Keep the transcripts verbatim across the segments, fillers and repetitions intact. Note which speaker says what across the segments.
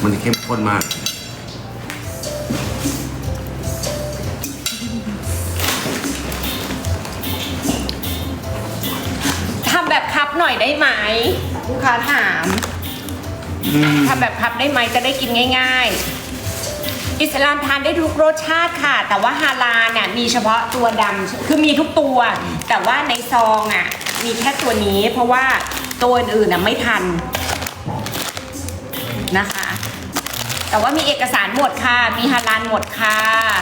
Speaker 1: มันเข้มข้นมาก
Speaker 2: ทำแบบคัพหน่อยได้ไหมลูกค้าถามทำแบบคัพได้ไหมจะได้กินง่ายๆอิสลามทานได้ทุกรสชาติค่ะแต่ว่าฮาลาลเนี่ยมีเฉพาะตัวดำคือมีทุกตัวแต่ว่าในซองอ่ะมีแค่ตัวนี้เพราะว่าตัวอื่นน่ะไม่ทันนะคะแต่ว่ามีเอกสารหมดค่ะมีฮาลาลหมดค่ะ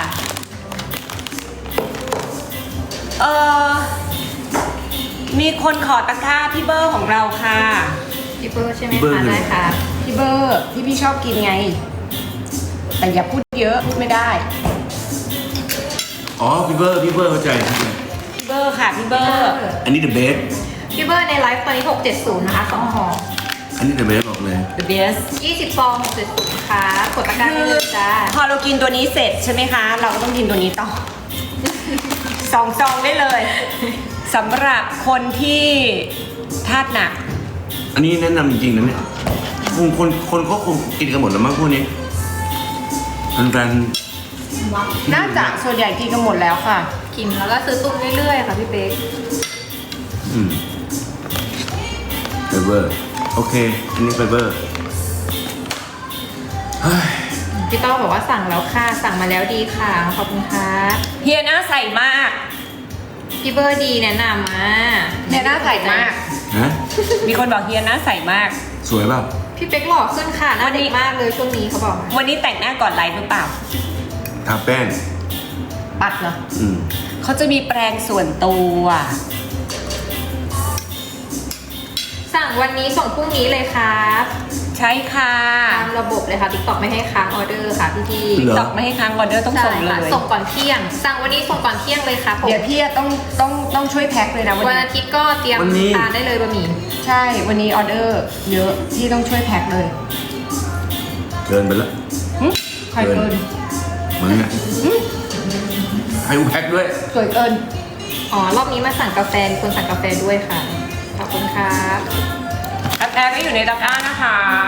Speaker 2: เออมีคนขอตะกร้าพี่เบอร์ของเราค่ะ
Speaker 3: พี่เบอร์ใช่ไหมคะได้ค่ะ
Speaker 2: พี่เบอร์ที่พี่ชอบกินไงแต่อย่าพูดเยอะพูดไม่ได้
Speaker 1: อ๋อพี่เบอร์พี่เบอร์เข้าใจเข้าใจ
Speaker 2: พี่เบอร์ค่ะพี่เบอร์
Speaker 1: อันนี้ the best
Speaker 3: พี่เบอร์ในไลฟ์ตอนนี้หกเจ็ดศูนย์นะคะสองห่อ
Speaker 1: อันนี้ the best บอกเลย
Speaker 2: The best
Speaker 3: ยี่สิบฟองหกเจ็ดศูนย์ค่ะกดตะกร้าได้เลยจ้า
Speaker 2: พอเรากินตัวนี้เสร็จใช่ไหมคะ เราก็ต้องกินตัวนี้ต่อ สองซองได้เลยสำหรับคนที่ธาตุหนัก
Speaker 1: อันนี้แนะนำจริงๆนะเนี่ยคงคนคนเขาคงกินกันหมดแล้วมั้งพวกนี้มันรัน
Speaker 2: น่าจะส่วนใหญ่กินกันหมดแล้วค่ะ
Speaker 3: กินแล้วก็ซื้อตุนเรื่อยๆค่ะพี่เป๊ก
Speaker 1: อืมไฟเบอร์โอเคอันนี้ไฟเบอร์เฮ้ย
Speaker 3: พี่ต้อบอกว่าสั่งแล้วค่ะสั่งมาแล้วดีค่ะขอบคุณค่ะ
Speaker 2: เฮียหน้าใสมาก
Speaker 3: พี่เบอร์ดีแนะนำมา
Speaker 2: เฮียหน้าใสมาก
Speaker 1: ฮะ
Speaker 2: มีคนบอกเฮียหน้าใสมาก
Speaker 1: สวยเปล่า
Speaker 3: พี่เป๊กหล่อขึ้นค่ะหน้าเด็กมากเลยช่วงนี้เขาบอกมา
Speaker 2: วันนี้แต่งหน้าก่อนไลฟ์หรือเปล่า
Speaker 1: ทาแป้ง
Speaker 2: ปัดเหรอ
Speaker 1: อืม
Speaker 2: เขาจะมีแปรงส่วนตัว
Speaker 3: สั่งวันนี้ส่งพรุ่งนี้เลยครับ
Speaker 2: ใช่ค่ะ
Speaker 3: ตามระบบเลยค่ะติ๊กต็อกไม่ให้ค้างออเดอร์ค่ะพี่พี่
Speaker 1: เหรอ
Speaker 2: ตอกไม่ให้ค้างออเดอร์ต้องส่งเล
Speaker 3: ค่ะ
Speaker 2: ย
Speaker 3: ส่งก่อนเที่ยง สั่งวันนี้ส่งก่อนเที่ยงเลยครับผม
Speaker 2: เดี๋ยวพี่ต้องต้องต้องช่วยแพ็คเลยนะวัน
Speaker 3: วัน
Speaker 2: นี้
Speaker 3: อาทิตย์ก็เตรียมทานได้เลยบะหมี่
Speaker 2: ใช่วันนี้ออเดอร์เยอะพี่ต้องช่วยแพ็คเลย
Speaker 1: เกินไปแล้ว
Speaker 2: หึใครเกิน
Speaker 1: มึงอ่ะให้กูแพ็คด้วย
Speaker 2: สวยเกิน
Speaker 3: อ๋อรอบนี้มาสั่งกาแฟมีคนสั่งกาแฟด้วยค่ะขอบคุณครับ
Speaker 2: กาแฟก็อยู่ในตะกร้านะคะ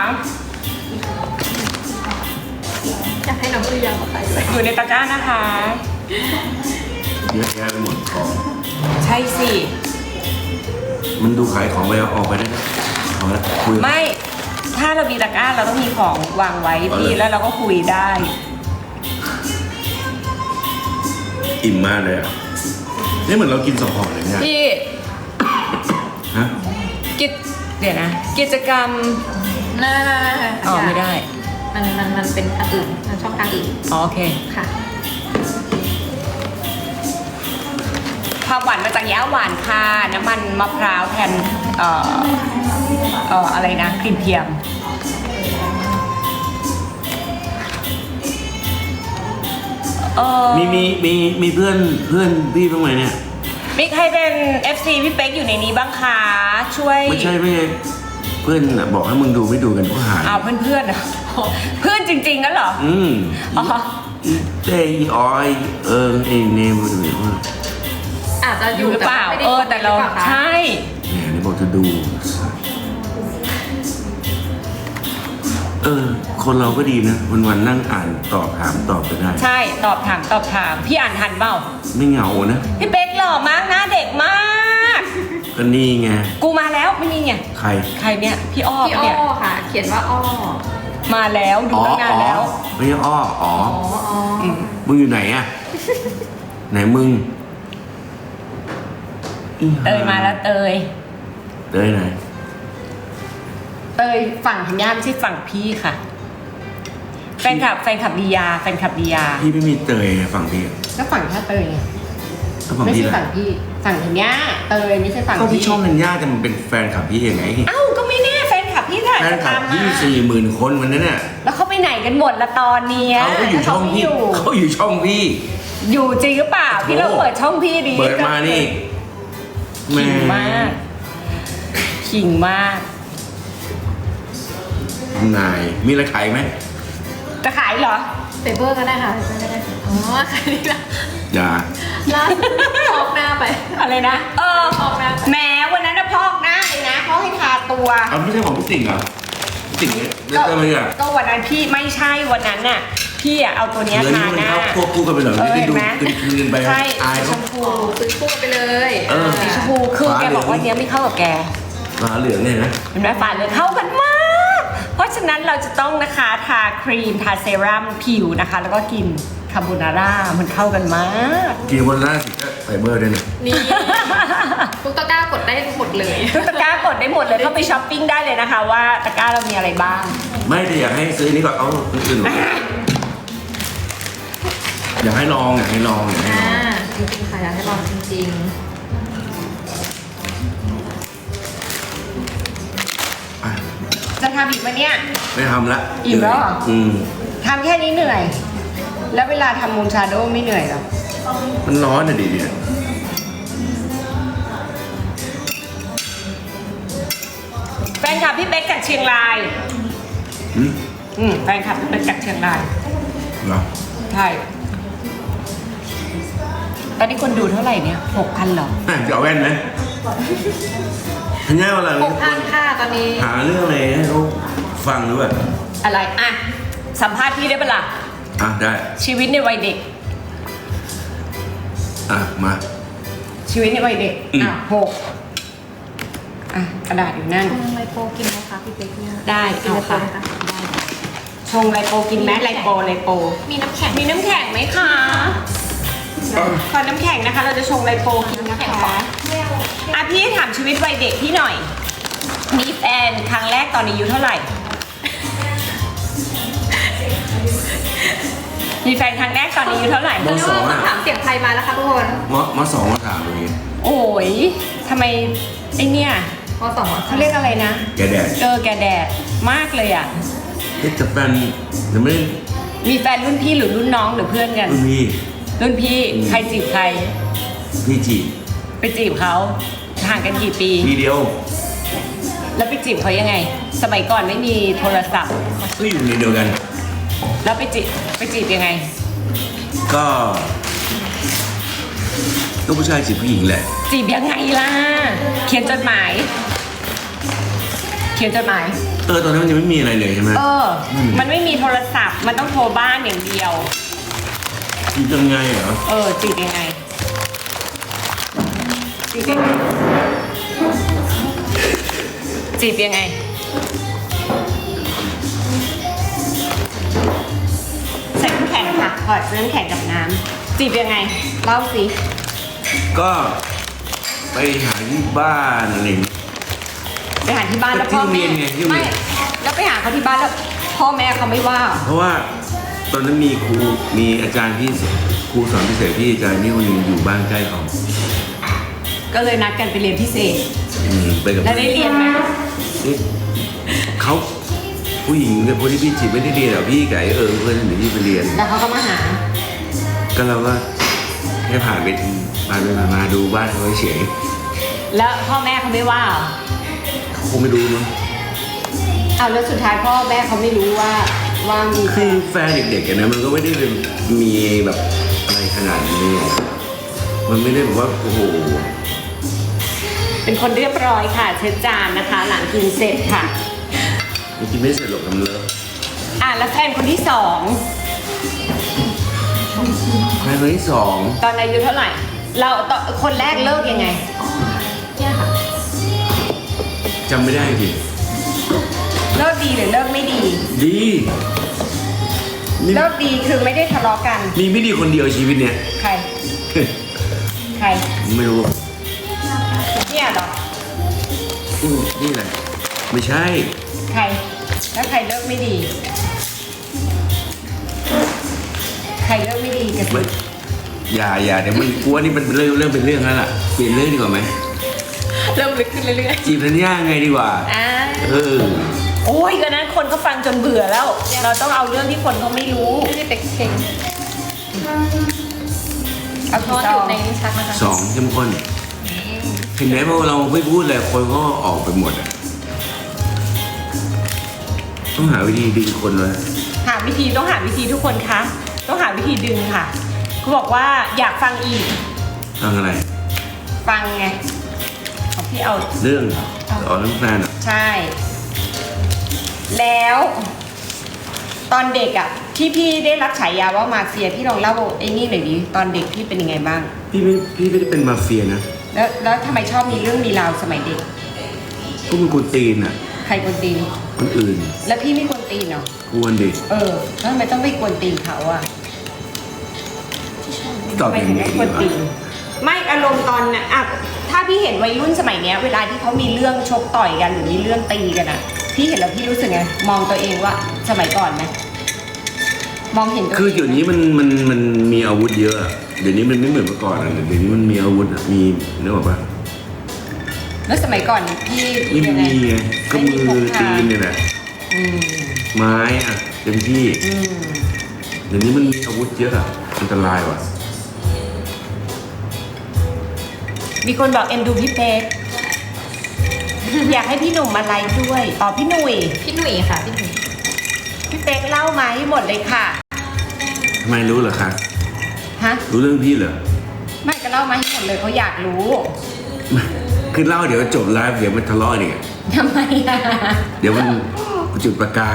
Speaker 3: อยากให้น้องตุยางมาขายด้วย
Speaker 2: อยู่ในตะกร้านะคะ
Speaker 1: เยอะแยะไปหมดของ
Speaker 2: ใช่สิ
Speaker 1: มันดูขายของไปเอาออกไปได้นะเอาละคุย
Speaker 2: ไม่ถ้าเรามีตะกร้าเราต้องมีของวางไว้
Speaker 1: เอา
Speaker 2: พี่
Speaker 1: เลย
Speaker 2: แล้วเราก็คุยได้
Speaker 1: อิ่มมากเลยอ่ะนี่เหมือนเรากินสองห่อเลยเนี่ย
Speaker 2: พี่
Speaker 1: ฮะ
Speaker 2: กิจเดี๋ยวนะ กิจกรรม
Speaker 3: น่า
Speaker 2: อ๋อไม่ได้
Speaker 3: มันมันมันเป็นอันอื่นมันช่องทางอื่น
Speaker 2: อ๋อโอเค
Speaker 3: ค่ะ
Speaker 2: ความหวานมาจากยาหวานค่ะน้ำมันมะพร้าวแทนเอ่อเอ่ออะไรนะครีมเทียมเออ
Speaker 1: มีมีมีมีเพื่อนเพื่อนพี่บ้างไหมเนี่ย
Speaker 2: มีใครเป็น เอฟ ซี พี่เป๊กอยู่ในนี้บ้างคะช่วย
Speaker 1: ไม่ใช่ไม่ใช่เพื่อนน่ะบอกให้มึงดูไม่ดูกันก็หาย
Speaker 2: อ้าวเพื่อนเพื่อนๆเหรอเพื่อนจริงๆนั่นเหรอ
Speaker 1: อืม
Speaker 2: อ๋อ
Speaker 1: อีเต้อีออยเออไอเนมอะไรแบบนี้
Speaker 3: อาจจะอ
Speaker 2: อยู่
Speaker 3: ยู่
Speaker 2: หรือเปล่า
Speaker 3: ไม่ได้
Speaker 2: เออแต่เรา
Speaker 3: หอปล่คะ
Speaker 2: ใช่
Speaker 1: เนี่ยนี่บอกจะดู เออ คนเราก็ดีนะ วันวันๆนั่งอ่านตอบถามตอบไปได้
Speaker 2: ใช่ตอบถามตอบถามพี่อ่านทันเปล่า
Speaker 1: ไม่เหงานะ
Speaker 2: พี่เป๊กหล่อมากหน้าเด็กมาก
Speaker 1: ก็นี่ไง
Speaker 2: กูมาแล้วไม่นี่ไง
Speaker 1: ใคร
Speaker 2: ใครเนี่ยพี่อ้อ
Speaker 3: พี่
Speaker 2: ปะ
Speaker 3: อ้
Speaker 2: เนี่ย
Speaker 3: อค่ะ เขียนว่าอ้อ
Speaker 2: มาแล้วดู
Speaker 1: อ๋อ
Speaker 2: ตั้งนาน
Speaker 1: อ๋อ
Speaker 2: แล้ว
Speaker 1: ไม่ใช่อ้ออ๋อ
Speaker 3: อ๋ออ๋ออ
Speaker 2: ม
Speaker 1: มึงอยู่ไหนอะ ไหนมึงอี
Speaker 2: เตยมาแล้วเตย
Speaker 1: เตยไหน
Speaker 2: เตยฝั่งธัญญาไม่ใช่ฝั่งพี่ค่ะ แฟนคลับแฟนคลับดียาแฟนคลับดียา
Speaker 1: พี่ไม่มีเตยฝั่งพี่
Speaker 2: ก็ฝั่งแค่เตยไง
Speaker 1: ก็ฝั่ง
Speaker 2: ไม่
Speaker 1: พี่
Speaker 2: ใช่
Speaker 1: แหละ
Speaker 2: ฝั่งพี่ฝั่งธัญญาเตยไม่ใช่ฝั่ง
Speaker 1: ก็พี่
Speaker 2: พี่
Speaker 1: ช่องนันย่าจะมันเป็นแฟนคลับพี่ยังไง
Speaker 2: เอ้าก็ไม่แน่แฟนคลับพี่ถ่าย
Speaker 1: แฟน
Speaker 2: จะ
Speaker 1: คลั
Speaker 2: ตา
Speaker 1: บ
Speaker 2: ม
Speaker 1: พี่
Speaker 2: มา
Speaker 1: สี่หมื่นคนวันนั้นน่ะ
Speaker 2: แล้วเขาไปไหนกันหมดละตอนเนี้ย
Speaker 1: เขาก็อยู่ช่อง
Speaker 2: ไม่
Speaker 1: พี่
Speaker 2: อยู่
Speaker 1: เขาอยู่ช่องพี่
Speaker 2: อยู่จริงหรือเปล่าพี่เราเปิดช่องพี่ดี
Speaker 1: เปิดมานี่
Speaker 2: ขิงมากขิงมาก
Speaker 1: นายมีอะไรขายไหม
Speaker 2: จะขายเหรอ
Speaker 3: เปเปอร์ก็ได้ค่ะเปเปอร์ก็ได้ค่ะอ๋อขายดีละ
Speaker 1: อย่า
Speaker 3: ล่าสุดออกหน้าไป
Speaker 2: อะไรนะ เออ
Speaker 3: พอกหน้า
Speaker 2: แหมวันนั้นนะพอกหน้าเลยนะเขาให้ทาตัว
Speaker 1: เอาไม่ใช่ของพี่ติ่งเหรอสิ่งนี้แล้วก็ไม่อยาก
Speaker 2: ก็วันนั้นพี่ไม่ใช่วันนั้นน่ะพี่อะเอาตัวเนี้ย
Speaker 1: เนื้อ
Speaker 2: ทา
Speaker 1: นี่มัน
Speaker 2: หน้า
Speaker 1: เข้าควบคู่กันไปเหรอ
Speaker 2: เออ
Speaker 1: ไม่ได้
Speaker 2: เห็น
Speaker 1: ดู
Speaker 2: ไหม
Speaker 1: คืนๆไป
Speaker 2: ใช่
Speaker 1: อาย
Speaker 2: สีช
Speaker 1: เขา
Speaker 2: มพู
Speaker 3: ซื้อคู่กันไปเลย
Speaker 1: เออ
Speaker 2: สีชมพูคือแกบอกว่าเนี้ยไม่เข้ากับแก
Speaker 1: ฟ้าเหลืองเนี่ยนะ
Speaker 2: เห็นไหมฝาเหลืองเข้ากันมาก เพราะฉะนั้นเราจะต้องนะคะทาครีมทาเซรั่มผิวนะคะ แล้วก็กินคาโบนาร่ามันเข้ากันมาก
Speaker 1: กินวันละสิก็ไฟเบอร์ด้วยนะ
Speaker 3: นี่ทุกตะกร้ากดได้หมดเลย
Speaker 2: ทุกตะกร้ากดได้หมดเลยเข้าไปช้อปปิ้งได้เลยนะคะ ว่าตะกร้าเรามีอะไรบ้าง
Speaker 1: ไม่แต่อยากให้ซื้อนี่ก่อนเอาอื่นๆก่อนอยากให้ลองอยากให้ลองอยากให้ล
Speaker 3: อ่า
Speaker 1: อง
Speaker 3: จริงๆค่ะอยากให้ลองจริง
Speaker 1: อ่ะ
Speaker 2: จะทำอีกไหมเนี่ย
Speaker 1: ไม่ทำละ
Speaker 2: อิ่มแล้วเหรอ
Speaker 1: อืม
Speaker 2: ทำแค่นี้เหนื่อย แล้วเวลาทำมูนชาโดว์ไม่เหนื่อยหรอ
Speaker 1: มันร้อนอะดิเนี่ย
Speaker 2: แฟนคลับพี่เป๊กจากเชียงราย
Speaker 1: อืม
Speaker 2: อืมแฟนคลับพี่เป๊กจากเชียงราย
Speaker 1: เหรอ ใช่
Speaker 2: ตอนนี้คนดูเท่าไหร่เนี่ยหกพันหรอ
Speaker 1: อ่ะจะเอาแว่นไหมทันย่าเวลา
Speaker 3: ๆหกพันค่ะตอนนี้
Speaker 1: หาเรื่องอะไรให้เขาฟังหรือเปล่า
Speaker 2: อะไรอ่ะสัมภาษณ์พี่ได้ปะล่ะ
Speaker 1: อ่ะได้
Speaker 2: ชีวิตในวัยเด็ก
Speaker 1: อ่ะมา
Speaker 2: ชีวิตในวัยเด็ก
Speaker 1: อืม
Speaker 2: อ่ะหกอ่ะกระดาษอยู่นั่น
Speaker 3: ชงไลโปกินไหมคะพี่เป๊กเนี่ย
Speaker 2: ได้
Speaker 3: กิน
Speaker 2: เอา
Speaker 3: ไลโป
Speaker 2: ค่ะ
Speaker 3: ไหมคะได้
Speaker 2: ชงไลโปกินไหมไลโปไลโป
Speaker 3: มีน้ำแข็ง
Speaker 2: มีน้ำแข็งไหมคะขอน้ำแข็งนะคะ เราจะชงไลโปกินนะคะอ่ะพี่ถามชีวิตวัยเด็กพี่หน่อย มีแฟนครั้งแรกตอนอายุเท่าไหร่ มีแฟนครั้งแรกตอนอายุเท่าไหร่
Speaker 1: มสอง
Speaker 3: คำ
Speaker 1: อ่ะ
Speaker 3: ถามเสียงไทยมาแล้วค่ะทุกคน
Speaker 1: มมสองมสามอะไรเงี้ย
Speaker 2: โอ้ยทำไมไอเนี่ย
Speaker 3: พอสอง
Speaker 2: เขาเรียกอะไรนะ
Speaker 1: แกแดด
Speaker 2: เออแกแดดมากเลยอ่ะ
Speaker 1: เฮ้ยแต่แฟนยังไม่ได้
Speaker 2: มีแฟนรุ่นพี่หรือรุ่นน้องหรือเพื่อนกัน
Speaker 1: รุ่นพี่
Speaker 2: รุ่นพี่ใครจีบใคร
Speaker 1: พี่จีบ
Speaker 2: ไปจีบเขาห่างกันกี่ปี
Speaker 1: ทีเดียว
Speaker 2: แล้วไปจีบเขายังไง สมัยก่อนไม่มีโทรศัพท์
Speaker 1: ก็อยู่ในเดียวกัน
Speaker 2: แล้วไปจีบไปจีบยังไง
Speaker 1: ก็ก็ผู้ชายจีบผู้หญิงแหละ
Speaker 2: จีบยังไงล่ะ เขียนจดหมาย เขียนจดหมาย
Speaker 1: เออตอนนั้นมันยังไม่มีอะไรเลยใช่ไหม
Speaker 2: เออ
Speaker 1: ม
Speaker 2: มันไม่มีโทรศัพท์ มันต้องโทรบ้านอย่างเดียว
Speaker 1: จีบยังไงเหรอ
Speaker 2: เออจีบยังไงจีบยังไงจีบยังไงใส่น้ำแข็งค่ะถอดน้ำแข็งกับน้ำจีบยังไงเล่าสิ
Speaker 1: ก็ไปหาที่บ้านอะไรอย่างเงี้ย
Speaker 2: ไปหาที่บ้านแล้วพ่อ
Speaker 1: ที่โรงเรี
Speaker 2: แม่
Speaker 1: ยนไงที่โรงเรี
Speaker 2: ไม่
Speaker 1: ยน
Speaker 2: แล้วไปหาเขาที่บ้านแล้วพ่อแม่เขาไม่ว่า
Speaker 1: เพราะว่าตอนนั้นมีครูมีอาจารย์ที่ครูสอนพิเศษที่อาจารย์นี่คนหนึงอยู่บ้านใกล้เขา
Speaker 2: ก็เลยนัดกันไปเรียนพิเศษ
Speaker 1: อืมไปกับ
Speaker 2: แล้วได้เรียนไหม
Speaker 1: นี่เขาผู้หญิงเนี่ยคนที่พี่จีบไม่ได้เรียนหรอกพี่ไก่เออเพื่อนหรือที่ไปเรียน
Speaker 2: แล้วเขาก็มาหา
Speaker 1: ก็เราก็แค่ผ่านไปผ่านไปผ่านมาดูบ้านเขาเฉย
Speaker 2: แล้วพ่อแม่เขาไม่ว่าเหรอ
Speaker 1: เขาคงไม่รู้มั้ง
Speaker 2: เอาแล้วสุดท้ายพ่อแม่เขาไม่รู้ว่าว่ามีแฟ
Speaker 1: คือน แฟนเด็กๆอะนะมันก็ไม่ได้เป็นมีแบบอะไรขนาดนี้อะมันไม่ได้แบบว่าโอ้โห
Speaker 2: เป็นคนเรียบร้อยค่ะเช็ดจานนะคะ หลังกินเสร็จค่ะ
Speaker 1: มันกินไม่เสร็จหรอกทำเลอะ
Speaker 2: อ่ะแล้วแฟนคนที่สอง
Speaker 1: แฟนคนที่สอง
Speaker 2: ตอนอายุเท่าไหร่ เราตอนคนแรกเลิกยังไง
Speaker 3: เนี่ยค่ะ
Speaker 1: จำไม่ได้จริง
Speaker 2: เลิกดีหรือเลิกไม่ดี
Speaker 1: ดีมี
Speaker 2: เลิกดีคือไม่ได้ทะเลาะกัน
Speaker 1: มีไม่ดีคนเดียวชีวิตเนี่ย
Speaker 2: ใคร ใคร
Speaker 1: ไม่รู้
Speaker 2: เนี่ยเหรอ
Speaker 1: อืมนี่แหละไม่ใช่
Speaker 2: ใคร แล้วใครเลิกไม่ดี ใครเลิกไม่ดีกับ
Speaker 1: ไม่อย่าอย่าเดี๋ยวมันกลัวนี่มันเริ่มเริ่มเป็นเรื่องแล้วล่ะเปลี่ยนเรื่องดีกว่าไหม
Speaker 3: เริ่มลึกขึ้นเรื่อย
Speaker 1: จีบธัญญาไงดีกว่า
Speaker 2: อ่า
Speaker 1: เออ
Speaker 2: โอ้ยก็นั้นคนเขาฟังจนเบื่อแล้ว เราต้องเอาเรื่องที่คนเขาไม่รู้
Speaker 3: ๆไม่ได้เป็กเพลง
Speaker 2: เอา
Speaker 3: น
Speaker 2: กี่
Speaker 3: อน
Speaker 2: ซ
Speaker 3: อ
Speaker 2: อยู่ ง
Speaker 3: ในลิ้นชักนะคะ
Speaker 1: สองเข้มข้นเห็นไหมพอเราไม่พูดเลยคนก็ออกไปหมดอ่ะต้องหาวิธีดึงคนเลย
Speaker 2: หาวิธีต้องหาวิธีทุกคนคะต้องหาวิธีดึงค่ะเขาบอกว่าอยากฟังอีก
Speaker 1: ทางอะไร
Speaker 2: ฟังไงของพี่เอา
Speaker 1: เรื่องอ๋อเรื่องแฟนอ่ะ
Speaker 2: ใช่แล้ว ตอนเด็กอ่ะที่พี่ได้รับฉายาว่ามาเฟียพี่ลองเล่าไอ้นี่หน่อยดิตอนเด็กพี่เป็นยังไงบ้าง
Speaker 1: พี่ไม่พี่ไม่ได้เป็นมาเฟียนะ
Speaker 2: แล้วแล้วทำไมชอบมีเรื่องมีราวสมัยเด็ก
Speaker 1: พวกมึงกวนตีนอ่ะ
Speaker 2: ใครกวนตีน
Speaker 1: คนอื่น
Speaker 2: แล้วพี่ไม่กวนตีนเหรอก
Speaker 1: วนดิ
Speaker 2: เออแล้วทำไมต้องไปกวนตีนเขาอ่ะ
Speaker 1: ตอบ
Speaker 2: ไม่
Speaker 1: ยังไง
Speaker 2: ไม่
Speaker 1: ดี
Speaker 2: กวนตี
Speaker 1: วะ
Speaker 2: นไม่อารมณ์ตอนน่ะอ่ะถ้าพี่เห็นวัยรุ่นสมัยเนี้ย เวลาที่เขามีเรื่องชกต่อยกันหรือมีเรื่องตีกันอ่ะ พี่เห็นแล้วพี่รู้สึกไงมองตัวเองว่าสมัยก่อนไหมมองเห็นตัวเอง
Speaker 1: คือเดี๋ยวนี้มันมันมันมีอาวุธเยอะอะเดี๋ยวนี้มันไม่เหมือนเมื่อก่อนอะเดี๋ยวนี้มันมีอาวุธอะมีนึกออกปะ
Speaker 2: แล้วสมัยก่อนพี่
Speaker 1: ไม่
Speaker 2: ยังไง
Speaker 1: มีไงก็มือตีนเนี่ยแหละ
Speaker 2: อืม
Speaker 1: ไม้อะเต็มที่
Speaker 2: อืม
Speaker 1: เดี๋ยวนี้มันมีอาวุธเยอะอะอันตรายว่ะ
Speaker 2: มีคนบอกเอ็นดูพี่เป๊ก อยากให้พี่หนุ่มมาไลฟ์ด้วยอ๋อพี่หนุ่ย
Speaker 3: พี่หนุ่ยค่ะพี่หนุ่ย
Speaker 2: พี่เป๊กเล่ามาให้หมดเลยค่ะ
Speaker 1: ทำไมรู้เหรอคะ
Speaker 2: ฮะ
Speaker 1: รู้เรื่องพี่เหรอ
Speaker 2: ไม่ก็เล่ามาให้หมดเลยเขาอยากรู้
Speaker 1: คือเล่าเดี๋ยวจบไลฟ์เดี๋ยวมันทะเลาะเนี่ย
Speaker 2: ทำไมอ่ะ
Speaker 1: เดี๋ยวมันจุดประกาย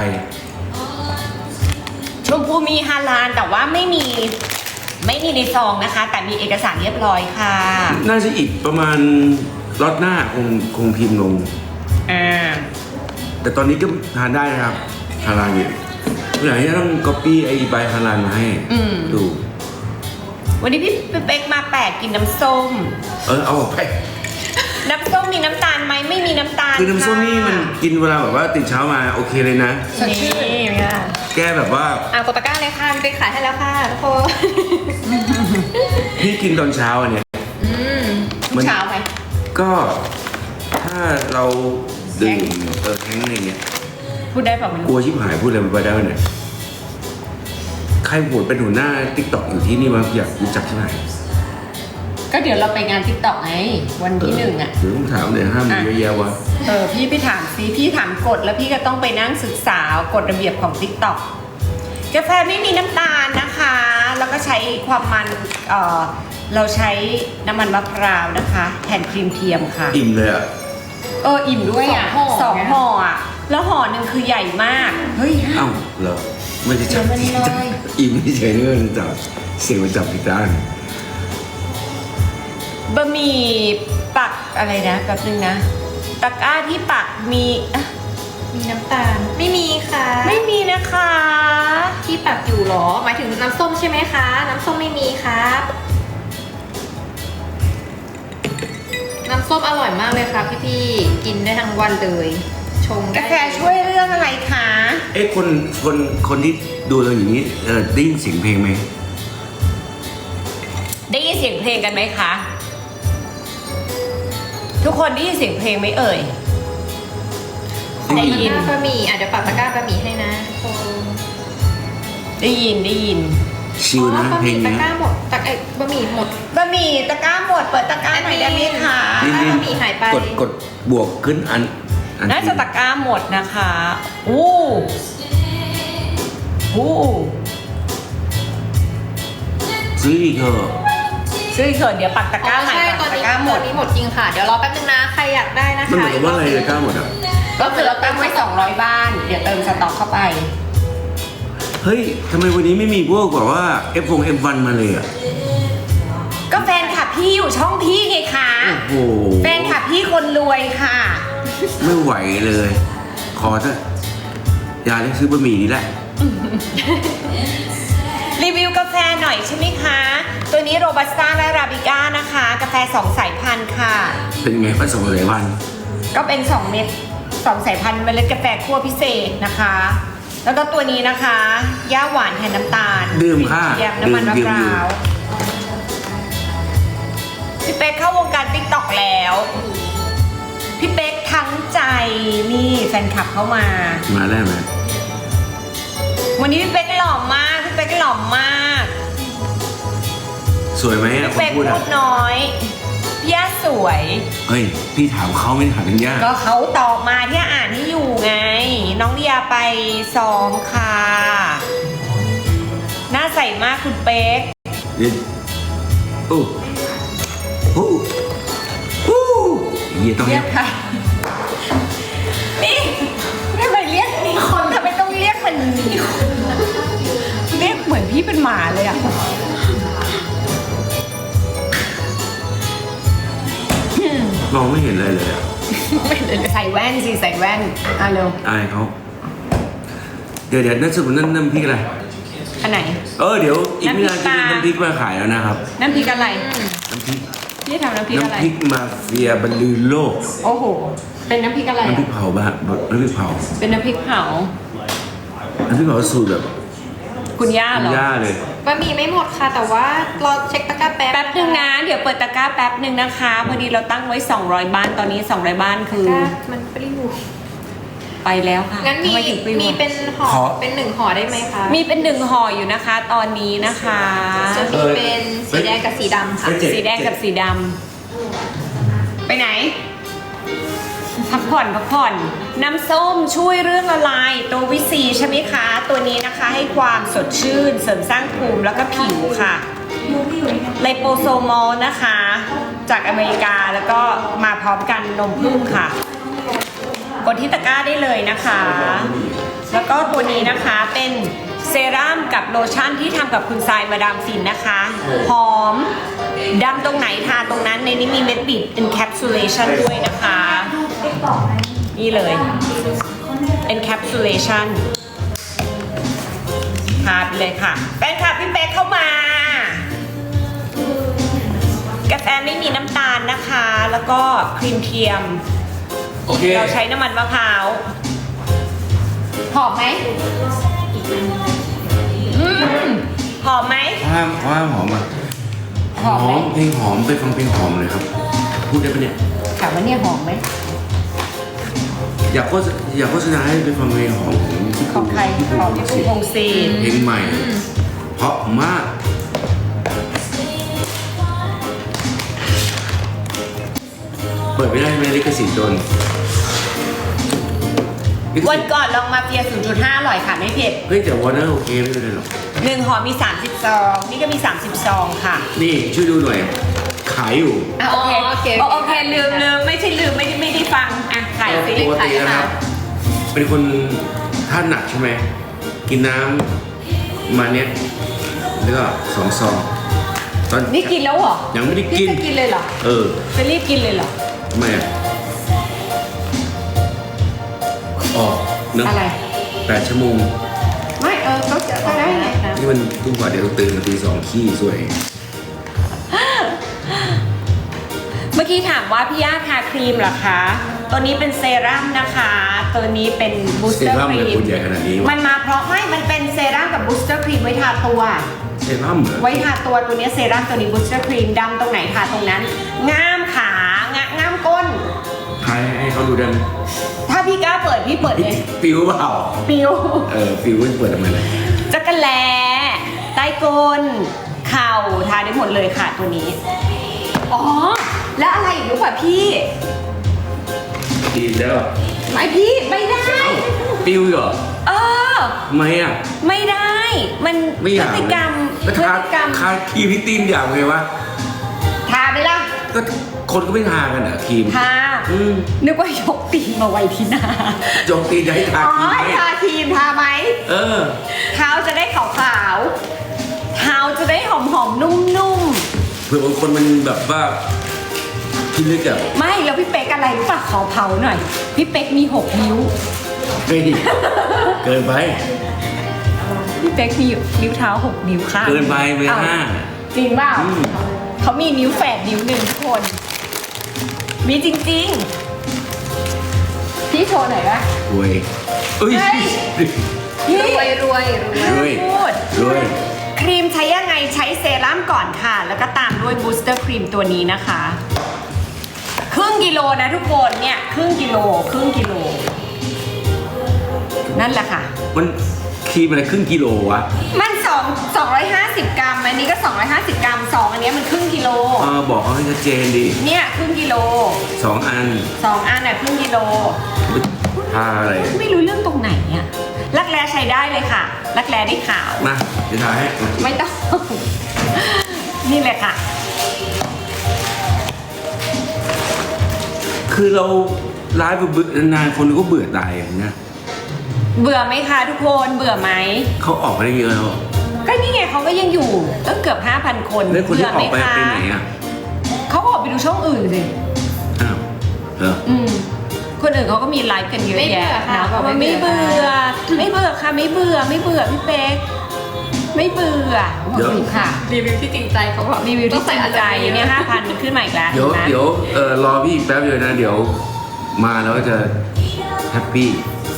Speaker 2: ชมพูมีฮาลานแต่ว่าไม่มีไม่มีในซองนะคะ แต่มีเอกสารเรียบร้อยค่ะ
Speaker 1: น่าจะอีกประมาณล็อตหน้าคงคงพิมพ์ลง
Speaker 2: อ่า
Speaker 1: แต่ตอนนี้ก็ทานได้นะครับฮาลาลอยู่เมื่อไหร่จะต้องก๊อปปี้ไอ้ใบฮาลาลมาให้ดู
Speaker 2: วันนี้พี่เป๊กมาแปลกกินน้ำส้ม
Speaker 1: เออเอาออกไป
Speaker 2: น้ำส้มมีน้ำตาลไหมไม่มีน้ำตาล
Speaker 1: คือน้ำส้มนี่มัน
Speaker 2: ค่ะ
Speaker 1: กินเวลาแบบว่าตื่นเช้ามาโอเคเลยนะ
Speaker 2: สดชื่น
Speaker 3: นี่ค่ะ
Speaker 1: แก้แบบว่า
Speaker 3: อ่ะกดตะกร้าเลยค่ะพี่เป๊กขายให้แล้วค่ะทุกคน
Speaker 1: พี่กินตอนเช้าอันเนี้ย
Speaker 3: อืม
Speaker 1: มัน
Speaker 2: เช้าไหม
Speaker 1: ก็ถ้าเราดื่มเออแท้งอะไรเงี้ย
Speaker 2: พูดได้เปล่าไม่
Speaker 1: กลั
Speaker 2: รู้
Speaker 1: วชิบหายพูดอะไรไปได้ไหมเนี่ยใครโหวตเป็นหัวหน้าติ๊กต็อกอยู่ที่นี่วะอยากรู้จักใช่ไหม
Speaker 2: ก็เดี๋ยวเราไปงานทิกตอกไงวันที่หนึ่งอ่ะ
Speaker 1: เดี๋ยวต้องถามเลยห้ามมีเยอะแยะวะ
Speaker 2: เออพี่ไปถามซิพี่ถามกฎแล้วพี่ก็ต้องไปนั่งศึกษากฎระเบียบของ ติ๊กต็อก กาแฟไม่มีน้ำตาลนะคะ แล้วก็ใช้ความมันเออเราใช้น้ำมันมะพร้าวนะคะแทนครีมเทียมค่ะ
Speaker 1: อิ่มเลยอ่ะ
Speaker 2: เอออิ่มด้วยอ่ะ
Speaker 3: สองห่อ
Speaker 2: สองห่ออ่ะแล้วห่อหนึ่งคือใหญ่มากเฮ้ย
Speaker 1: เอ้าเหรอไม่ได้จับ
Speaker 2: เดี๋ยวมันลอย
Speaker 1: อิ่มเฉยๆนี่มันจับเสียงมันจับผิดด้าน
Speaker 2: บะหมี่ปักอะไรนะแป๊บนึงนะตะกร้าที่ปักมีอ่ะ
Speaker 3: มีน้ำตาลไม่มีค่ะ
Speaker 2: ไม่มีนะคะ
Speaker 3: ที่ปักอยู่เหรอ หมายถึงน้ำส้มใช่ไหมคะ น้ำส้มไม่มีครับ น้ำส้มอร่อยมากเลยค่ะพี่ๆกินได้ทั้งวันเลย ชงได้
Speaker 2: กาแฟช่วยเรื่องอะไรคะ
Speaker 1: เอ๊ะคนคนคนที่ดูเราอย่างนี้เออได้ยินเสียงเพลงไหม
Speaker 2: ได้ยินเสียงเพลงกันไหมคะทุกคนได้ยินเสียงเพลงไหมเอ่ย
Speaker 3: ขอ
Speaker 2: ได้
Speaker 3: ตะ
Speaker 2: ยิ
Speaker 3: ก
Speaker 2: น
Speaker 3: ร้าบะหมี่อ่ะเดี๋ยวปักตะกร้าบะหมี่ให้นะทุกคน
Speaker 2: ได้ยินได้ยิน
Speaker 1: ชิลนะ
Speaker 3: อ๋อบะห
Speaker 1: เพล
Speaker 3: มี่
Speaker 1: ง
Speaker 3: ตะ
Speaker 1: เนี้ย
Speaker 3: กร้าหมดตะไอ้บะหมี่หมด
Speaker 2: บะหมี่ตะกร้าหมดเปิดตะกร้าหน่อยได้ไหมคะ
Speaker 3: นี่
Speaker 1: นี่
Speaker 3: บะหมี่หายไป
Speaker 1: กดกดบวกขึ้นอันอัน
Speaker 2: น่าจะตะกร้าหมดนะคะอู้อู้
Speaker 1: ซื้ออีกเถอะ
Speaker 2: ซื้อเถอะเดี๋ยวปักตะกร้าใหม่
Speaker 3: ใช่
Speaker 2: ปั
Speaker 3: ตอก น
Speaker 2: ตะ
Speaker 3: นี้
Speaker 2: กร้าหม
Speaker 3: ตอ
Speaker 2: ด
Speaker 3: นนี้หมดจริงค่ะ เดี๋ยวรอแป๊บนึงนะ ใครอยากได้นะคะ
Speaker 1: มันเหมือนกับว่าอะไรเลยกล้าหมดอ่ะ
Speaker 2: ก็คือเราตั้งไว้สองร้อยบ้าน เดี๋ยวเติมสต็อกเข้าไป
Speaker 1: เฮ้ยทำไมวันนี้ไม่มีพวกแบบว่า เอฟ วง เอฟ วัน มาเลยอ่ะ
Speaker 2: ก็แฟนคลับพี่อยู่ช่องพี่ไงคะ
Speaker 1: โอ้โห
Speaker 2: แฟนคลับพี่คนรวยค่ะ
Speaker 1: ไม่ไหวเลย ขอเถอะอย่าได้ซื้อบะหมี่นี่แหละ
Speaker 2: รีวิวกาแฟหน่อยใช่ไหมคะ ตัวนี้โรบัสต้าและราบิก้านะคะ กาแฟสองสายพันธุ์ค่ะ
Speaker 1: เป็นไงผสมอะไรวัน
Speaker 2: ก็เป็นสองเม็ดสองสายพันธุ์เมล็ดกาแฟคั่วพิเศษนะคะ แล้วก็ตัวนี้นะคะย่าหวานแทนน้ำตาล
Speaker 1: ดื่มค่ะ
Speaker 2: เทียมน้ำมันมะ
Speaker 1: ดื่
Speaker 2: พ
Speaker 1: มดื่ม
Speaker 2: ร้าวพี่เป๊กเข้าวงการติ๊กต็อกแล้ว พี่เป๊กทั้งใจนี่แฟนคลับเข้ามา
Speaker 1: มาได้ไหม
Speaker 2: วันนี้พี่เป๊กหล่อมากพี่เป๊กหล่อมาก
Speaker 1: สวยไหมอ่ะ
Speaker 2: พี่
Speaker 1: คน
Speaker 2: เป๊ก
Speaker 1: พูด
Speaker 2: พู
Speaker 1: อ่ะ
Speaker 2: ดน้อยพี่ย่าสวย
Speaker 1: เฮ้ย พี่ถามเขาไม่ได้ถามเป็นย่า
Speaker 2: ก็เขาตอบมาที่อ่านให้อยู่ไง น้องเดียไปซ้อมค่ะหน้าใสมากคุณเป๊ก
Speaker 1: เดี๋ยวโอ้โอ้โอ้เหี้ยต้อง
Speaker 2: เรี
Speaker 1: เรี
Speaker 2: ย
Speaker 1: ย
Speaker 2: ก
Speaker 1: ก
Speaker 2: ค่ะ นี่ทำไมเรียกนี่คนเรียกเหมือนพี่เป็นหมาเลยอ่ะ
Speaker 1: มองไม่เห็นอะไรเลยอะ
Speaker 2: ใส่แว่นสิใส่แว่นอ่ะเร็ว
Speaker 1: อายเขาเดี๋ยวเดี๋ยวนั่นสมมตินั่นน้ำพริกอะไร
Speaker 2: อันไหน
Speaker 1: เออเดี๋ยวอีกไม่นาน
Speaker 2: น้ำพริกปลา
Speaker 1: จะมีน้ำพริกมาขายแล้วนะครับ
Speaker 2: น้ำพริกอะไร
Speaker 1: น้ำพริก
Speaker 2: พี่ทำน้ำพริกอะไร
Speaker 1: น้ำพริกมาเฟียบรรลือโลก
Speaker 2: โอ้โห เป็นน้ำพริกอะไร
Speaker 1: น้ำพริก
Speaker 2: อะ
Speaker 1: เผาบ้านน้ำพริกเผา
Speaker 2: เป็นน้ำพริกเผา
Speaker 1: น้ำพริกเผาสูตรแบบ
Speaker 2: คุณย่าเหรอ
Speaker 1: ย่าเลย
Speaker 3: บะหมี่ไม่หมดค่ะ แต่ว่ารอเช็คตะกร้าแป๊บ
Speaker 2: แป๊บหนึ่งนะ เดี๋ยวเปิดตะกร้าแป๊บหนึ่งนะคะ พอดีเราตั้งไว้ สองร้อย บ้าน ตอนนี้ สองร้อย บ้านคือ
Speaker 3: ตะกร้ามันปลิ้ว
Speaker 2: ไปแล้วค่ะ
Speaker 3: งั้นมี
Speaker 2: ทำไถึงปลิว
Speaker 3: มี
Speaker 2: อะ
Speaker 3: เป็นห่อ
Speaker 1: ขอ
Speaker 3: เป็นหนึ่งห่อได้ไหมคะ
Speaker 2: มีเป็นหนึ่งห่ออยู่นะคะ ตอนนี้นะคะ
Speaker 3: จะมีเป็นสีแดงกับสีดำค่ะ
Speaker 1: เจ็
Speaker 2: สีแดงกับสีดำ ไปไหน พักผ่อนพักผ่อน น้ำส้มช่วยเรื่องละลาย ตัววิซีใช่ไหมคะ ตัวนี้นะคะให้ความสดชื่น เสริมสร้างภูมิแล้วก็ผิวค่ะ ไลโปโซมอลนะคะ จากอเมริกาแล้วก็มาพร้อมกันนมผึ้งค่ะ กดที่ตะกร้าได้เลยนะคะ แล้วก็ตัวนี้นะคะเป็นเซรั่มกับโลชั่นที่ทำกับคุณทรายมาดามฟินนะคะ หอมดำตรงไหนทาตรงนั้นในนี้มีเม็ดบิด encapsulation ด้วยนะคะ นี่เลย encapsulation ทาไปเลยค่ะแฟนคลับพี่เป๊กเข้ามากาแฟไม่มีน้ำตาลนะคะ แล้วก็ครีมเทียม
Speaker 1: โอเค
Speaker 2: เราใช้น้ำมันมะพร้าวหอมไหมอืมหอมไหม
Speaker 1: ห้ามห้ามหอมอ่ะ
Speaker 2: หอมไหม
Speaker 1: เพลงหอมไปฟังเพลงหอมเลยครับ พูดได้ปะเนี่ย
Speaker 2: ถามว่าเนี่ยหอมไหม
Speaker 1: อยากโฆษอยากโฆษณาให้ไปฟังเพลงหอมของพี่
Speaker 2: ของใคร
Speaker 1: พี่ปู
Speaker 2: ของพี่ปูพงศิษฐ์
Speaker 1: เพลงใหม่ เพราะมาก เปิดไม่ได้ไหมลิขสิทธิ์โดนลิข
Speaker 2: วั
Speaker 1: สิ
Speaker 2: น
Speaker 1: ทธิ์
Speaker 2: ก่อนลองมาเฟีย ศูนย์จุดห้า อร่อยค่ะไม่เผ็ด
Speaker 1: เฮ้ยแต่วอร์เนอร์โอเคไม่เป็นไรหรอก
Speaker 2: หนึ่งห่อมีสามสิบซองนี่ก็มีสามสิบซองค่ะ
Speaker 1: นี่ช่วยดูหน่อย ขายอยู่
Speaker 2: อ่ะโอเค
Speaker 3: อ๋อโอเค
Speaker 2: โอโอเคลืมลืมไม่ใช่ลืมไม่ได้ไม่ได้ฟังอ่ะขายสิ
Speaker 1: ปกตินะครับ เป็นคนท่านหนักใช่ไหม กินน้ำมาเนี้ยแล้วก็สองซองตอน
Speaker 2: นี่กินแล้วเหรอ
Speaker 1: ยังไม่ได้กิ
Speaker 2: พี่
Speaker 1: น
Speaker 2: จะกินเลยเหรอ
Speaker 1: เออ
Speaker 2: จะรีบกินเลยเหรอ
Speaker 1: ทำไมอ่ะออกเนอะ
Speaker 2: อะไร
Speaker 1: แปดชั่วโมง
Speaker 2: ไม่เออก็จะก็ได้ไง
Speaker 1: นี่มันทุกวันเดี๋ยวตื่นมาตีสองขี้สวย
Speaker 2: เมื่อกี้ถามว่าพี่ย่าทาครีมเหรอคะ ตัวนี้เป็นเซรั่มนะคะ ตัวนี้เป็นบูส
Speaker 1: เซ
Speaker 2: เตอร์
Speaker 1: รั่ม
Speaker 2: ค
Speaker 1: เล
Speaker 2: รี
Speaker 1: ย
Speaker 2: ม
Speaker 1: คุณใหญ่ขนาดนี้วะ
Speaker 2: มันมาเพราะไม่ มันเป็นเซรั่มกับบูสเตอร์ครีมไว้ทาตัว
Speaker 1: เซรั่มเหรอ
Speaker 2: ไว้ทาตัวตัวนี้เซรั่มตัวนี้บูสเตอร์ครีมดำตรงไหนทาตรงนั้น ง่ามขางะง่ามก้น
Speaker 1: ใครให้เขาดูได้ไหม
Speaker 2: ถ้าพี่กล้าเปิดพี่เปิดเลย
Speaker 1: ปิวเปล่า
Speaker 2: ปิว
Speaker 1: เออปิวมันเปิดทำไมล่ะ
Speaker 2: จักรแลใต้ก้น เข่าทาได้หมดเลยค่ะตัวนี้ อ๋อ แล้วอะไรอีกรู้ป่ะพี่
Speaker 1: ดีแล้ว
Speaker 2: ไม่พี่ไม่ได้
Speaker 1: เอ้าปิวเหรอ
Speaker 2: เออ
Speaker 1: ทำไมอ่ะ
Speaker 2: ไม่ได้ มัน
Speaker 1: ไม่
Speaker 2: พ
Speaker 1: อยาก
Speaker 2: ฤติกรรม
Speaker 1: แล้ว
Speaker 2: พฤ
Speaker 1: ทา
Speaker 2: ติกรรม
Speaker 1: ทาครีมที่ตีนอย่างไงวะ
Speaker 2: ทาไหมล่ะ
Speaker 1: ก็คนก็ไม่ทากันอ่ะครีม
Speaker 2: ทา
Speaker 1: อืม
Speaker 2: นึกว่ายกตีนมาไว้ที่หน้า
Speaker 1: จงตีนจะให้ทา
Speaker 2: อ๋อ
Speaker 1: ครีมไหม
Speaker 2: ทาครีมทาไหม
Speaker 1: เออ
Speaker 2: เท้าจะได้ขาวๆ เท้าจะได้หอมๆ นุ่ม
Speaker 1: เผื่อบางคนมันแบบว่าคิดลึกอ่ะ
Speaker 2: ๆ ไม่แล้วพี่เป๊กอะไรรู้ป่ะขอเผาหน่อย พี่เป๊กมีหกนิ้ว
Speaker 1: เฮ้ยเกินไป
Speaker 2: พี่เป๊กมีนิ้วเท้าหกนิ้วค่ะ
Speaker 1: เกินไปไป
Speaker 2: อ้าว
Speaker 1: ห้า
Speaker 2: จริงเปล่า
Speaker 1: อืม
Speaker 2: เขามีนิ้วแฝดนิ้วหนึ่งทุกคน มีจริงๆ พี่โชว์หน่อยปะ
Speaker 1: รวยเอ้ย
Speaker 2: เฮ้ย พี่
Speaker 3: รวยรวยรวย
Speaker 1: รวย
Speaker 2: พูด
Speaker 1: รวย
Speaker 2: ครีมใช้ยังไงใช้เซรั่มก่อนค่ะ แล้วก็ตามด้วยบูสเตอร์ครีมตัวนี้นะคะ ครึ่งกิโลนะทุกคนเนี่ย ครึ่งกิโล ครึ่งกิโล นั่นแหละค่ะ
Speaker 1: มันครีมอะไรครึ่งกิโลวะ
Speaker 2: มันสองสองร้อยห้าสิบกรัม อันนี้ก็สองร้อยห้าสิบกรัมสองอันเนี้ยมันครึ่งกิโล
Speaker 1: เออบอกเขาให้ชัดเจนดิ
Speaker 2: เนี่ยครึ่งกิโล
Speaker 1: สองอัน
Speaker 2: สองอันน่ะครึ่งกิโล
Speaker 1: ทาอะไร
Speaker 2: ไม่รู้เรื่องตรงไหนอะรักแร้ใช้ได้เลยค่ะ รักแร้ได้ขาว
Speaker 1: มาเดี๋ยวทาให้มา
Speaker 2: ไม่ต้อง นี่เลยค่ะ
Speaker 1: คือเราไลฟ์เบื่อนานๆคนก็เบื่อตายอย่างเงี้ย
Speaker 2: เบื่อไหมคะทุกคนเบื่อไหม
Speaker 1: เขาออกมาได้เยอะแล้ว
Speaker 2: ก็นี่ไงเขาก็ยังอยู่ตั้งเกือบ ห้าพัน คน
Speaker 1: แล้วคนที่ออกไป
Speaker 2: เบื่หม
Speaker 1: ไป
Speaker 2: คะ
Speaker 1: ไหนอ่ะ
Speaker 2: เขาออกไปดูช่องอื่นสิ
Speaker 1: อ้าวเหรอ
Speaker 2: อืมคนอื่นเขาก็มีไลฟ์กันเยอะ
Speaker 3: ไม่เบื่
Speaker 2: แยะ
Speaker 3: อค่ะ
Speaker 2: นะ
Speaker 3: บอก
Speaker 2: ว่า
Speaker 3: ไม่
Speaker 2: ไม่
Speaker 3: เบื่
Speaker 2: เบื่
Speaker 3: อ
Speaker 2: อ ไม่เบื่อค่ะไม่เบื่อไม่เบื่อพี่เป๊กไม่เบื่อ
Speaker 1: เดี๋ยว
Speaker 2: ค่ะ
Speaker 3: รีวิวที่จริงใจเขาบอก
Speaker 2: รีวิวที่จริงใจเนี่ยห้าพันขึ้นมาอีกแล้ว
Speaker 1: เดี๋ยว
Speaker 2: ห็นไหม
Speaker 1: เดี๋ยวเออรอพี่อีกแป๊บเดียวนะ เดี๋ยวมาแล้วจะแฮปปี้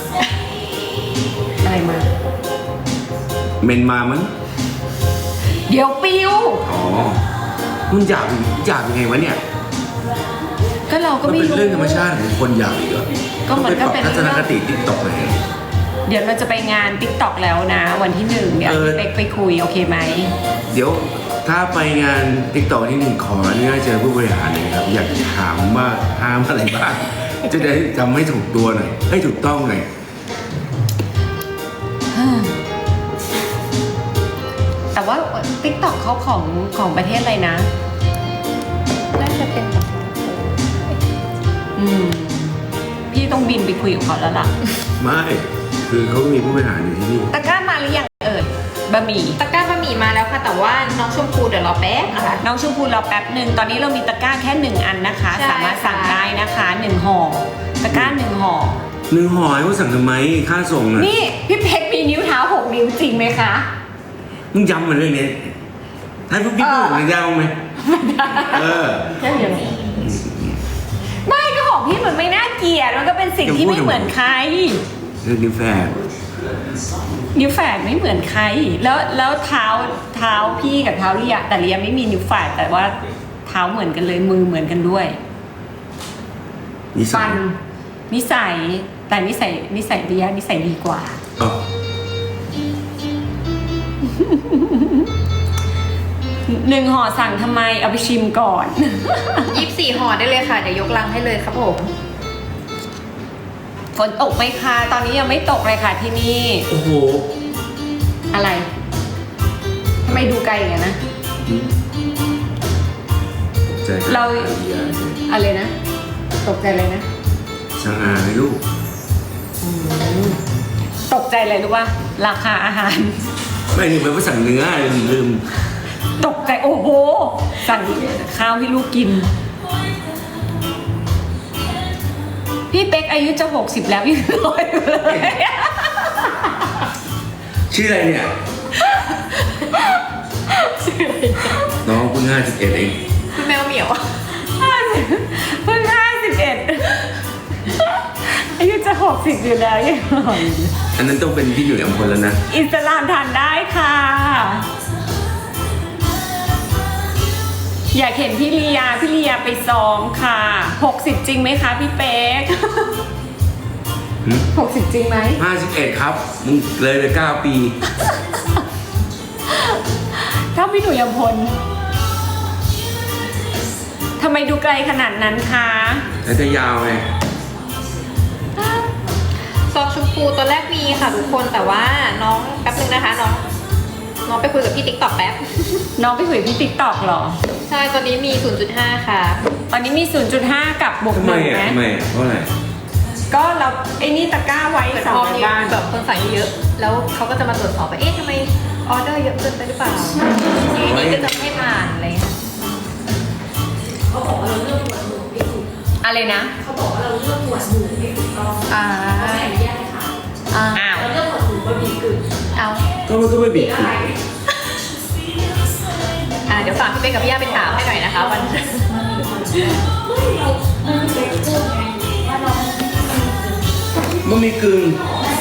Speaker 2: อะไรมา
Speaker 1: เมนมามั้ง
Speaker 2: เดี๋ยวปิว
Speaker 1: อ๋อมันอยากอยากยังไงวะเนี่ย
Speaker 2: ก็เราก็
Speaker 1: มัน
Speaker 2: ไม่
Speaker 1: เป็น
Speaker 2: รู้
Speaker 1: เรื่องธรรมชาติของคนอยากอีกเหรอ
Speaker 2: ก็มันก็เป็น
Speaker 1: ทัศนคติติ๊กต็อกเลย
Speaker 2: เดี๋ยวเราจะไปงานติ๊กต็อกแล้วนะ วันที่หนึ่งเดี๋ยว
Speaker 1: เออ
Speaker 2: พี่เป๊กไปคุยโอเคไหม
Speaker 1: เดี๋ยวถ้าไปงานติ๊กต็อกที่หนึ่งขออนุญาตเจอผู้บริหารหน่อยครับ อยากถามว่าห้ามอะไรบ้าง จะได้จำให้ถูกตัวหน่อยให้ถูกต้องหน่อย
Speaker 2: แต่ว่าติ๊กต็อกเขาของของประเทศอะไรนะ
Speaker 3: น่าจะเป็นแบบ
Speaker 2: อืม พี่ต้องบินไปคุยกับเขาแล้วล่ะ
Speaker 1: ไม่คือเขามีผู้บริหารอยู่ที่นี่
Speaker 2: ตะกร้ามาหรือยังเอ่ยบะหมี่
Speaker 3: ตะกร้าบะหมี่มาแล้วค่ะ แต่ว่าน้องชมพูเดี๋ยวรอแป๊บนะคะ
Speaker 2: น้องชมพูรอแป๊บหนึ่งตอนนี้เรามีตะกร้าแค่หนึ่งอันนะคะ
Speaker 3: ใช่
Speaker 2: สามารถสั่ง
Speaker 3: ค่ะ
Speaker 2: ได้นะคะหนึ่งห่อตะกร้าหนึ่งห่อ
Speaker 1: หนึ่งห่อให้เขาสั่งทำไมค่าส่งอ่ะ
Speaker 2: นี่พี่เพชรมีนิ้วเท้าหกนิ้วจริงไหมคะ
Speaker 1: มึงย้ำมันเรื่องนี้ให้พวกพี่พูดมันยาวไหมเออ
Speaker 2: แค่อย่างนี้ไม่ก็ของพี่มันไม่น่าเกลียดมันก็เป็นสิ่งที่ไม่เหมือนใคร
Speaker 1: เรื่องนี้แฟน
Speaker 2: นิ้วแฝดไม่เหมือนใคร แล้วแล้วเท้าเท้าพี่กับเท้าเลียแต่เลียไม่มีนิ้วแฝดแต่ว่าเท้าเหมือนกันเลยมือเหมือนกันด้วย
Speaker 1: นิสั
Speaker 2: ฟั
Speaker 1: ย
Speaker 2: นนิสัยแต่นิสัยนิสัยเลียนิสัยดีกว่า
Speaker 1: อ๋อ
Speaker 2: หนึ่งห่อสั่งทำไมเอาไปชิมก่อน
Speaker 3: ยี่สิบสี่ห่อได้เลยค่ะ เดี๋ยวยกลังให้เลยครับผม
Speaker 2: ฝนตกไหมคะตอนนี้ยังไม่ตกเลยค่ะที่นี่
Speaker 1: โอ้โห
Speaker 2: อะไรทำไมดูไกลอย่างนั้นนะ
Speaker 1: ใจ
Speaker 2: เรา
Speaker 1: อาดีย
Speaker 2: อะไรนะ ตกใจเลยนะ
Speaker 1: ช่างอาให้ลูก
Speaker 2: ตกใจเลยรู้ว่าราคาอาหาร
Speaker 1: ไม่ลืมไปว่าสั่งเนื้อลืม
Speaker 2: ตกใจโอ้โห สั่งข้าวให้ลูกกิน พี่เป๊กอายุจะหกสิบแล้วยังรอยอยู่เลย
Speaker 1: ชื่ออะไรเนี่ย น้องเพิ่งห้าสิบเอ็ดเอง
Speaker 3: คุณแมวเหมียว
Speaker 2: เพิ่งห้าสิบเอ็ดอายุจะหกสิบอยู่แล้วยังรอยอยู่
Speaker 1: อันนั้นต้องเป็นพี่อยู่ในอำเภอแล้วนะ
Speaker 2: อิสลามทานได้ค่ะ อยากเห็นพี่ลียาพี่ลียาไปซ้อมค่ะหกสิบจริงไหมคะพี่เป๊ก
Speaker 1: หืม
Speaker 2: หกสิบจริงไหม
Speaker 1: ห้าสิบเอ็ดครับ มึงเลยไปเก้าปี
Speaker 2: ถ้าพี่หนุ่ยยมพลทำไมดูไกลขนาดนั้นคะ
Speaker 1: แล้วจะยาวไง
Speaker 3: ซองชมพูตัวแรกมีค่ะทุกคนแต่ว่าน้องแป๊บนึงนะคะน้องน้องไปคุยกับพี่ติ๊กต็อกแป๊บ
Speaker 2: น้องไปคุยกับพี่ติ๊กตอกหรอ
Speaker 3: ใช่ตอนนี้มี ศูนย์จุดห้า ค่ะ
Speaker 2: ตอนนี้มี ศูนย์จุดห้า กับบวก
Speaker 1: ทำ
Speaker 2: ห
Speaker 1: ไม
Speaker 2: นึ่ง
Speaker 1: อ่ะ
Speaker 2: นะ
Speaker 1: ทำไมอ่ะเพราะอะไร
Speaker 2: ก็เราไอ้นี่ตะกร้าไว้
Speaker 3: เหมือน
Speaker 2: สอ
Speaker 3: พ
Speaker 2: ง
Speaker 3: อมี
Speaker 2: บ้าน
Speaker 3: แบบคนสั่งเยอะๆแล้วเขาก็จะมาตรวจสอบว่าเอ๊ะทำไมออเดอร์เยอะเกินไปหรือเปล่าทีนี้ก็จะไม่ผ่านอะไรเงี้ย
Speaker 2: อะไรนะ
Speaker 3: อ่าอ่า
Speaker 2: อ้าว
Speaker 3: เอา
Speaker 1: ก็มันก็ไม่บิด
Speaker 3: อ่าเดี๋ยวฝากพี่เป๊กกับพี่ย่าไปถามให้หน่อยนะคะวัน
Speaker 1: มันมีกึ่ง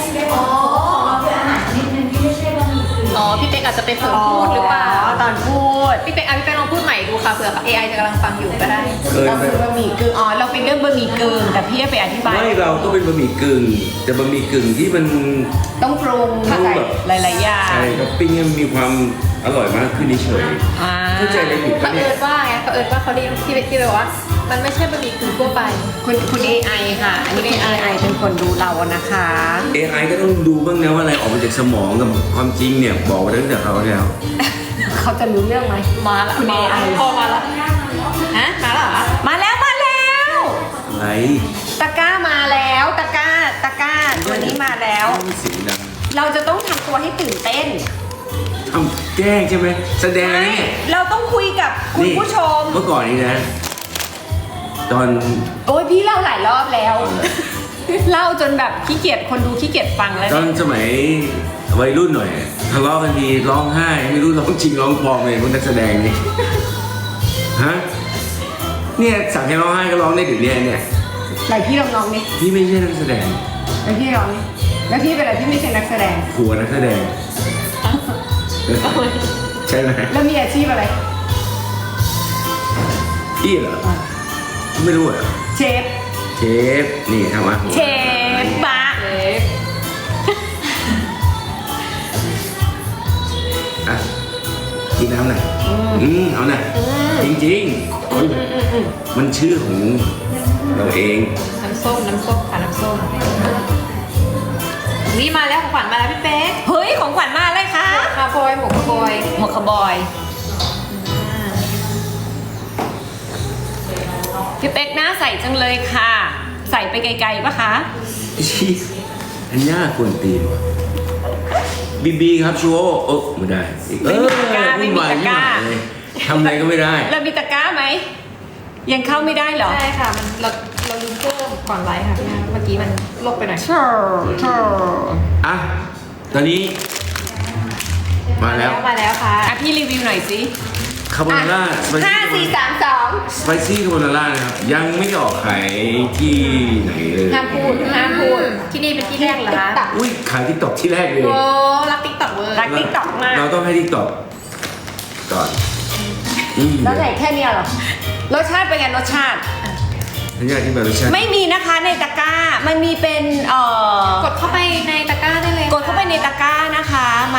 Speaker 3: อ๋อพี่เป๊กอาจจะไปเผลอพูดหรือเปล่า
Speaker 2: ตอนพูด
Speaker 3: พี่เป๊กอ่ะพี่เป๊กลองพูดใหม่ดูค่ะเผื่อ เอ ไอ จะกำลังฟังอยู่ก็ได้
Speaker 1: เคย
Speaker 2: เรา
Speaker 1: ไหม
Speaker 2: คือบะหมี่กึ่งอ๋อเราเป็นเรื่องบะหมี่กึ่งแต่พี่ไปอธิบาย
Speaker 1: ไม่เราก็เป็นบะหมี่กึ่งแต่บะหมี่กึ่งที่มัน
Speaker 2: ต้องปรุง
Speaker 1: ปรุงแบบ
Speaker 2: หลายๆอย่าง
Speaker 1: ใช่ท็อปปิ้งให้มันมีความอร่อยมากขึ้นเฉย
Speaker 2: อ่า
Speaker 1: เข้าใจอะไรผิด
Speaker 3: เขา
Speaker 1: ปะเนี่
Speaker 3: เอิ
Speaker 1: ย
Speaker 3: ญว่าไงเขาเอิญว่าเขาเรียกที่ที่แบบว่า มันไม่ใช่บะหมี่กึ่งทั่วไป
Speaker 2: คุณคุณ เอ ไอ ค่ะ อันนี้เป็น เอ ไอ เป็นคนดูเรานะคะ
Speaker 1: เอไอก็ต้องดูบ้างนะว่าอะไรออกมาจากสมองกับความจริงเนี่ยบอกไว้ตั้งแต่เขาแล้ว
Speaker 2: เขาจะรู้เรื่องไหม
Speaker 3: มาละ
Speaker 2: คุณ เอ ไอ
Speaker 3: พอมาละฮะมาละเหรอ
Speaker 2: มาแล้วมาแล้ว
Speaker 1: อะไร
Speaker 2: ตตะกร้ามาแล้วตะกร้าตะกร้าตัวนี้มาแล้ว
Speaker 1: มีเสียงดัง
Speaker 2: เราจะต้องทำตัวให้ตื่นเต้น
Speaker 1: ทำแกล้งใช่ไหมแสดง
Speaker 2: ไม่
Speaker 1: เนี่ย
Speaker 2: เราต้องคุยกับคุณผู้ชม
Speaker 1: เมื่อก่อนนี้นะ ตอน
Speaker 2: โอ้ยพี่เล่าหลายรอบแล้ว
Speaker 1: เอาเลย
Speaker 2: เล่าจนแบบขี้เกียจคนดูขี้เกียจฟังแล้ว
Speaker 1: ตอน
Speaker 2: เนี่ย
Speaker 1: สมัยวัยรุ่นหน่อยทะเลาะกันทีร้องไห้ ไม่รู้ร้องจริงร้องปลอมเลยพวกนักแสดงนี่ฮะเนี่ยสั่งให้ร้องไห้ก็ร้องได้ถึงเนี่ยเนี่ย
Speaker 2: ไหนพี่ลองลองนี่
Speaker 1: พี่ไม่ใช่นักแสดง
Speaker 2: ไหนพี่ลองนี่แล้วพี่เป็นอะไรพี่ไม่ใช่นักแสดง
Speaker 1: ผัวนักแสดงใช่ไหม
Speaker 2: แล้วมีอาชีพอะไร
Speaker 1: พี่เหรอไม่รู้อ่ะ
Speaker 2: เชฟ
Speaker 1: เชฟนี่ทำอาหาร
Speaker 2: เชฟบะ
Speaker 3: เล็ก
Speaker 1: อ่ะกินน้ำหน่อยอืมเอาหน่อยจริงๆโอ้ยมันชื่อของเราเอง
Speaker 3: น้ำส้มน้ำส้มค่ะน้ำส้มนี่มาแล้วของขวัญมาแล้วพี่เป๊ก
Speaker 2: เฮ้ยของขวัญมาอะไรคะ
Speaker 3: คาโบอยหมวกคาโบอย
Speaker 2: หมวกคาวบอยพี่เป๊กหน้าใสจังเลยค่ะ ใส่ไปไกลๆปะคะ
Speaker 1: ชีอันย่าควรตีนว่ะบีบีครับชัวร์โอ้ไม่ได้อีก
Speaker 2: ไม่มีตะกร้าไม่มีตะกร้า
Speaker 1: เออวุ่นวายเลยทำอะไรก็ไม่ได้
Speaker 2: เรามีตะกร้าไหม ยังเข้าไม่ได้เหรอ
Speaker 3: ใช่ค่ะมันเราเราลืมเพิ่มก่อนไลฟ์ค่ะพี่นาเมื่อกี้มันลบไปหน่อย
Speaker 2: เธอเธอ
Speaker 1: อ่ะ ตอนนี้ มาแล้ว
Speaker 3: มาแล้วค่ะ
Speaker 2: อ่ะพี่รีวิวหน่อยสิ
Speaker 1: คาโบนาร่าสไป
Speaker 2: ห้า
Speaker 1: ซี่
Speaker 2: สี่สามสอง
Speaker 1: สไปซี่คาโบนาร่านะครับ ยังไม่ได้ออกขายที่ไหนเลย
Speaker 3: ห้ามพูดห้ามพูดที่นี่เป็นที่แรกเหรอคะ
Speaker 1: อุ้ยขายที่ตอกที่แรกเลย
Speaker 3: โอ้รักติ๊กต็อกเวอร์
Speaker 2: รักติ๊กต็อกมาก
Speaker 1: เราต้องให้ที่ตอกก่อนอืม
Speaker 2: แล้วไหนแค่เนี้ยเหรอ รสชาติเป็นไงรสชาติ
Speaker 1: อันนี้ที่แบบรสชาติ
Speaker 2: ไม่มีนะคะในตะกร้า มันมีเป็นเอ่อก
Speaker 3: ดเข้าไปในตะกร้าได้เลย
Speaker 2: กดเข้าไปในตะกร้านะคะมา